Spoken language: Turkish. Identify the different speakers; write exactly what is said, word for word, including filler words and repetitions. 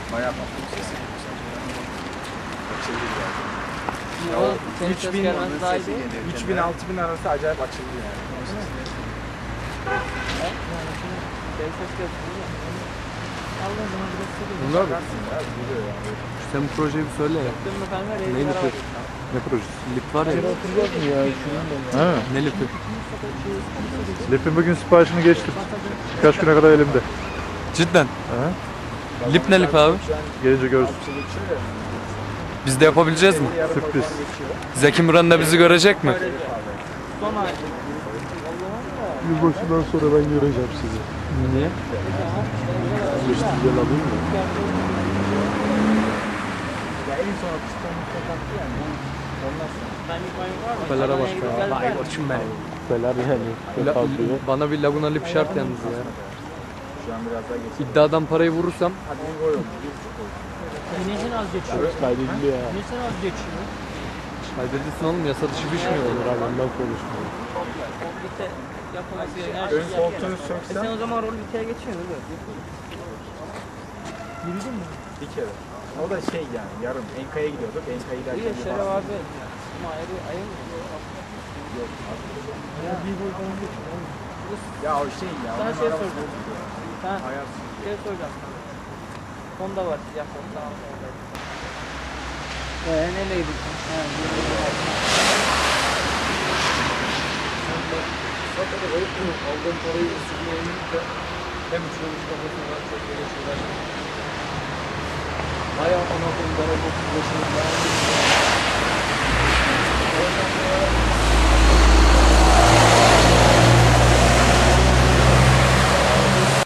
Speaker 1: Bayağı patladı sesi. Açıldı yani.
Speaker 2: O senin ses gelmesi daha iyi değil.
Speaker 1: üç bin altı bin arası acayip açıldı yani.
Speaker 2: Senin ses gelmesi.
Speaker 3: Bunlar mı?
Speaker 1: Bakarsın ya, biliyor yani.
Speaker 3: Sen bu projeyi bir söyle ya.
Speaker 2: Yaptın mı kanka? Reis
Speaker 3: Neydi
Speaker 2: beraber
Speaker 3: bu?
Speaker 2: gittik.
Speaker 3: Ne projesi? Lip var ya.
Speaker 4: Ha.
Speaker 3: Ne lipi?
Speaker 4: Lip'in bugün siparişini geçtim. Birkaç güne kadar elimde.
Speaker 3: Cidden.
Speaker 4: Ha.
Speaker 3: Lip ne lip abi?
Speaker 4: Gelince görürsün.
Speaker 3: Biz de yapabileceğiz mi?
Speaker 4: Sürpriz.
Speaker 3: Zeki Müren de bizi görecek mi?
Speaker 2: Son ay.
Speaker 4: Yılbaşından sonra ben göreceğim sizi.
Speaker 3: Niye?
Speaker 4: Geçti güzel alayım mı?
Speaker 1: Ya en son akıştan kapattı yani. Ondan sonra.
Speaker 2: Ben ilk ayım var mı?
Speaker 3: Kupelara
Speaker 2: Sana
Speaker 3: bak
Speaker 2: en
Speaker 3: ya.
Speaker 2: güzel
Speaker 3: Vay
Speaker 2: ben.
Speaker 3: koçum benim.
Speaker 4: Kupeler yani.
Speaker 3: La-
Speaker 4: Kalkıyor.
Speaker 3: bana bir Laguna lip şart yalnız ya.
Speaker 1: Şu an biraz daha geçti.
Speaker 3: İddiadan parayı vurursam
Speaker 1: Hadi bir gol oldu. Bir buçuk oldu.
Speaker 2: Güneşin az geçiyor.
Speaker 4: Kaydediliyor ya.
Speaker 2: Güneşin az geçiyor.
Speaker 3: kaydedilsin oğlum, yasa dışı bir şey mi olur?
Speaker 4: Ondan konuşmuyor.
Speaker 2: Komplite yapılması gereken her
Speaker 1: Ön
Speaker 2: şeyi
Speaker 1: koltuğunu
Speaker 2: yapıyor. E
Speaker 1: söksem
Speaker 2: sen o zaman rol biteye geçiyorsun değil mi? Yürüdün mü?
Speaker 1: bir kere. O da şey yani yarım. Enka'ya gidiyorduk. Enka'yı
Speaker 2: İyi
Speaker 1: derken
Speaker 2: de
Speaker 1: bir
Speaker 2: Şeref
Speaker 1: bastım.
Speaker 2: abi. Ama ayrı ayrı mı?
Speaker 1: Ya o şey ya.
Speaker 2: Sana
Speaker 1: onun
Speaker 2: şey
Speaker 1: arabası
Speaker 2: soracağım.
Speaker 1: bozuldu ya.
Speaker 2: Ha,
Speaker 1: Ayar.
Speaker 2: şey soracağım. Honda var siyah Honda. Eee neyle gittin? Ha,
Speaker 3: Aldığım parayı ısırmayınca hem uçurmuş kafasına çok böyle şeyler. Bayağı ana koyun bana bu başını